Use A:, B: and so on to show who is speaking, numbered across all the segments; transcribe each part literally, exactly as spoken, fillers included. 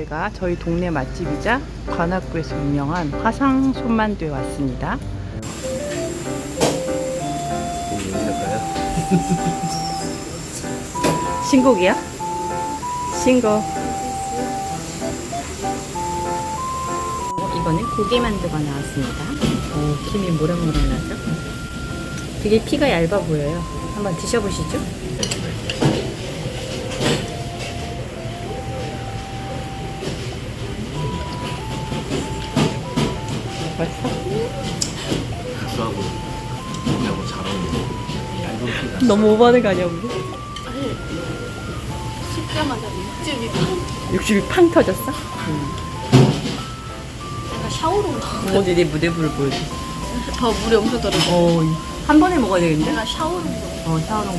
A: 저희가 저희 동네 맛집이자 관악구에서 유명한 화상 손만두에 왔습니다. 신곡이야? 신곡. 이거는 고기만두가 나왔습니다. 오, 김이 모락모락 나죠? 되게 피가 얇아 보여요. 한번 드셔보시죠. 맛있어?
B: 국수하고 고기하고 잘 어울려. 얇은 피가.
A: 너무 오버하는 거 아니야, 우리?
C: 아니, 씹자마자 육즙이 팍.
A: 육즙이 팡 터졌어? 응.
C: 약간 샤오롱.
A: 어디 내 무대부를 보여줘.
C: 더 물이 엄청 떨어져.
A: 어, 한 번에 먹어야 되겠는데?
C: 약간 샤오롱.
A: 어, 샤오롱.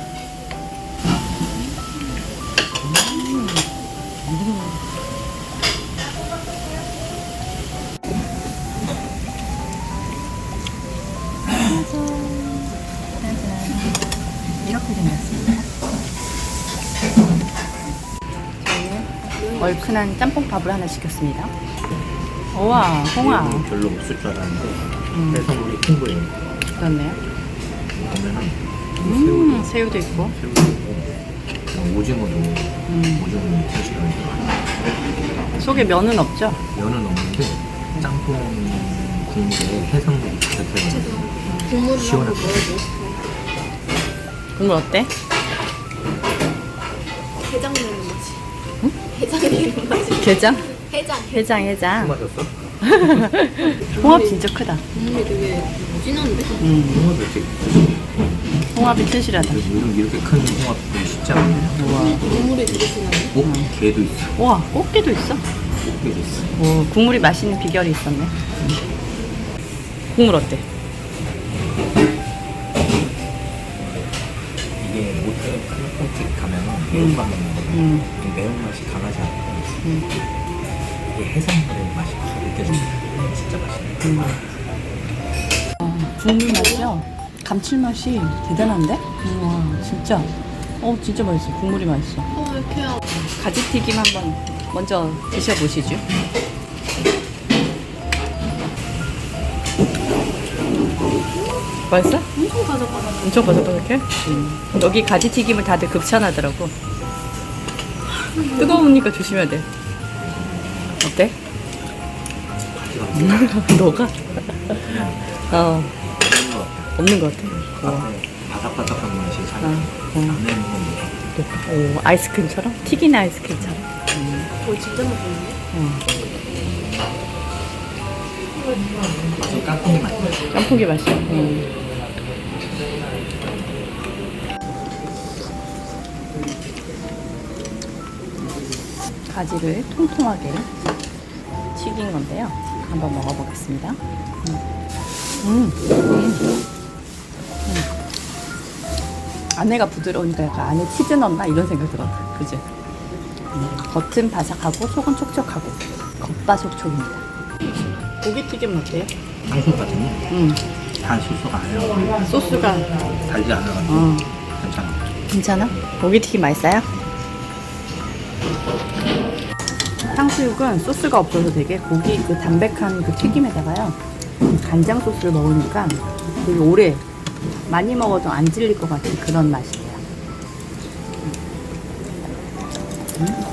A: 이렇게 생겼습니다. 저희는 얼큰한 짬뽕밥을 하나 시켰습니다. 우와, 홍합.
B: 얘는 별로 없을 줄 알았는데
A: 음.
B: 해산물이 큰 거예요.
A: 그렇네요.
B: 보면은
A: 음, 새우도 있고.
B: 새우도 있고 오징어도
A: 음.
B: 오징어 대시간이 들어가요.
A: 속에 면은 없죠?
B: 면은 없는데 짬뽕 국물에 해산물이 가득해서
C: 국물을
B: 시원하고.
C: 한번 넣어줘.
A: 국물 어때?
C: 해장 내는 맛이. 응? 해장 내는 맛이.
A: 게장?
C: 해장.
A: 해장, 해장.
B: 마셨어?
A: 홍합 진짜 크다.
C: 국물이 되게 진한데?
A: 음,
B: 홍합이 이렇게
A: 홍합이 튼실하다.
B: 요즘 이렇게 큰 홍합 보기 쉽지 않아요.
A: 우와.
C: 국물이 되게 진한데?
B: 오, 게도 있어.
A: 우와, 꽃게도 있어.
B: 꽃게도 있어.
A: 오, 국물이 맛있는 비결이 있었네. 국물 어때?
B: 이게 모텔 클럽집 가면은
A: 음.
B: 매운맛 먹는 거거든요.
A: 음.
B: 이 매운맛이 강하지 않고
A: 음.
B: 이게 해산물의 맛이 확 느껴집니다. 진짜 맛있네.
A: 어, 국물 맛이요? 감칠맛이 대단한데? 우와, 진짜. 어, 진짜 맛있어. 국물이 맛있어.
C: 어, 왜 이렇게 야
A: 가지튀김 한번 먼저 드셔보시죠. 맛있어?
C: 엄청 바삭바삭.
A: 엄청 바삭바삭해? 음. 여기 가지튀김을 다들 극찬하더라고. 뜨거우니까 조심해야 돼. 어때? 너가? 어, 없는 것 같아. 어.
B: 바삭바삭한 맛이 잘
A: 어, 어.
B: 안에 먹으면
A: 오, 아이스크림처럼? 튀긴 아이스크림처럼.
C: 오, 진짜 맛있네.
A: 어.
B: 맛이 깍두기 맛.
A: 깐풍기 맛이야. 음. 가지를 통통하게 튀긴 건데요. 한번 먹어보겠습니다. 음. 음. 음. 음. 안에가 부드러우니까 약간 안에 치즈 넣나 이런 생각 들어. 그지? 음. 겉은 바삭하고 속은 촉촉하고 겉바속촉입니다. 고기튀김은 어때요?
B: 탕수육 같은데
A: 음.
B: 단 실수가 아니라
A: 소스가
B: 달지 않아가지고
A: 어.
B: 괜찮아.
A: 괜찮아? 고기튀김 맛있어요? 탕수육은 소스가 없어서 되게 고기 그 담백한 그 튀김에다가요 간장 소스를 넣으니까 되게 오래 많이 먹어도 안 질릴 것 같은 그런 맛이에요. 음?